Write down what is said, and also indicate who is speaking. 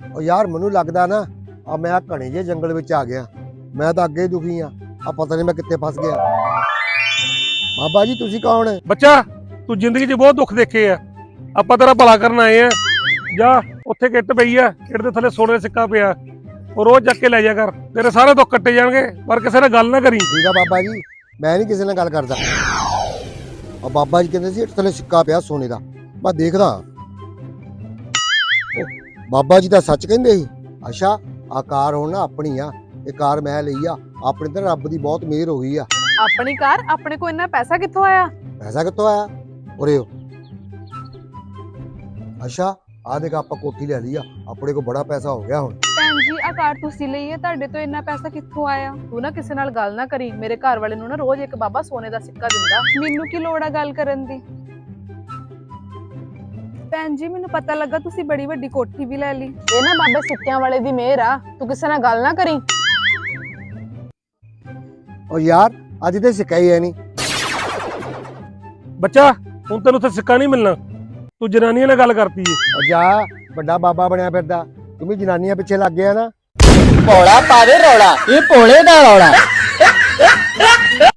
Speaker 1: ਉਹ ਯਾਰ ਮੈਨੂੰ ਲੱਗਦਾ ਨਾ ਆ ਮੈਂ ਘਣੇ ਜਿਹੇ ਜੰਗਲ ਵਿੱਚ ਆ ਗਿਆ। ਮੈਂ ਤਾਂ ਅੱਗੇ ਹੀ ਦੁਖੀ ਆ ਪਤਾ ਨਹੀਂ ਮੈਂ ਕਿੱਥੇ ਫਸ ਗਿਆ। ਬਾਬਾ ਜੀ ਤੁਸੀਂ ਕੌਣ?
Speaker 2: ਬੱਚਾ ਤੂੰ ਜ਼ਿੰਦਗੀ 'ਚ ਬਹੁਤ ਦੁੱਖ ਦੇਖੇ ਆ, ਆਪਾਂ ਤੇਰਾ ਭਲਾ ਕਰਨ ਆਏ ਆ। ਜਾ ਉੱਥੇ ਕਿੱਟ ਪਈ ਆ, ਕਿੱਟ ਦੇ ਥੱਲੇ ਸੋਨੇ ਦਾ ਸਿੱਕਾ ਪਿਆ, ਉਹ ਰੋਜ਼ ਚੱਕ ਕੇ ਲੈ ਜਾ ਕਰ, ਤੇਰੇ ਸਾਰੇ ਦੁੱਖ ਕੱਟੇ ਜਾਣਗੇ। ਪਰ ਕਿਸੇ ਨਾਲ ਗੱਲ ਨਾ ਕਰੀ।
Speaker 1: ਠੀਕ ਆ ਬਾਬਾ ਜੀ, ਮੈਂ ਨਹੀਂ ਕਿਸੇ ਨਾਲ ਗੱਲ ਕਰਦਾ। ਆ ਬਾਬਾ ਜੀ ਕਹਿੰਦੇ ਸੀ ਇੱਟ ਥੱਲੇ ਸਿੱਕਾ ਪਿਆ ਸੋਨੇ ਦਾ, ਮੈਂ ਦੇਖਦਾ। ਬਾਬਾ ਜੀ ਤਾਂ ਸੱਚ ਕਹਿੰਦੇ ਸੀ। ਅੱਛਾ ਆ ਕਾਰ ਹੁਣ ਨਾ ਆਪਣੀ ਆ, ਇਹ ਕਾਰ ਮੈਂ ਲਈ ਆ। ਆਪਣੇ ਤੇ ਰੱਬ ਦੀ ਬਹੁਤ ਮਿਹਰ ਹੋ ਗਈ ਆ।
Speaker 3: ਆਪਣੀ ਕਾਰ? ਆਪਣੇ ਕੋਲ ਇੰਨਾ ਪੈਸਾ ਕਿੱਥੋਂ ਆਇਆ?
Speaker 1: ਪੈਸਾ ਕਿੱਥੋਂ ਆਇਆ? ਉਰੇ ਅੱਛਾ ਆ ਦੇਖ ਆਪਾਂ ਕੋਠੀ ਲੈ ਲਈ ਆ, ਆਪਣੇ ਕੋਲ ਬੜਾ ਪੈਸਾ ਹੋ ਗਿਆ ਹੁਣ।
Speaker 3: ਭੈਣ ਜੀ ਆ ਕਾਰ ਤੁਸੀਂ ਲਈ ਹੈ, ਤੁਹਾਡੇ ਤੋਂ ਇੰਨਾ ਪੈਸਾ ਕਿੱਥੋਂ ਆਇਆ? ਤੂੰ ਨਾ ਕਿਸੇ ਨਾਲ ਗੱਲ ਨਾ ਕਰੀ। ਮੇਰੇ ਘਰ ਵਾਲੇ ਨੂੰ ਨਾ ਰੋਜ਼ ਇੱਕ ਬਾਬਾ ਸੋਨੇ ਦਾ ਸਿੱਕਾ ਦਿੰਦਾ, ਮੈਨੂੰ ਕੀ ਲੋੜ ਆ ਗੱਲ ਕਰਨ ਦੀ। ਭੈਣ ਜੀ ਮੈਨੂੰ ਪਤਾ ਲੱਗਾ ਤੁਸੀਂ ਬੜੀ ਵੱਡੀ ਕੋਠੀ ਵੀ ਲੈ ਲਈ। ਇਹ ਨਾ ਬਾਬੇ ਸਿੱਕਿਆਂ ਵਾਲੇ ਦੀ ਮਿਹਰ ਆ, ਤੂੰ ਕਿਸੇ ਨਾਲ ਗੱਲ ਨਾ ਕਰੀ।
Speaker 1: ਉਹ ਯਾਰ ਅੱਜ ਤੇ ਸਿੱਕਾ ਹੀ ਹੈ ਨਹੀਂ।
Speaker 2: ਬੱਚਾ ਹੁਣ ਤੈਨੂੰ ਉੱਥੇ ਸਿੱਕਾ ਨਹੀਂ ਮਿਲਣਾ, ਤੂੰ ਜਨਾਨੀਆਂ ਨਾਲ ਗੱਲ ਕਰਤੀ ਏ।
Speaker 1: ਉਹ ਜਾ ਵੱਡਾ ਬਾਬਾ ਬਣਿਆ ਫਿਰਦਾ, ਤੂੰ ਵੀ ਜਨਾਨੀਆਂ ਪਿੱਛੇ ਲੱਗ ਗਿਆ ਨਾ।
Speaker 4: ਭੋਲਾ ਪਾਵੇ ਰੌਲਾ, ਇਹ ਭੋਲੇ ਦਾ ਰੌਲਾ।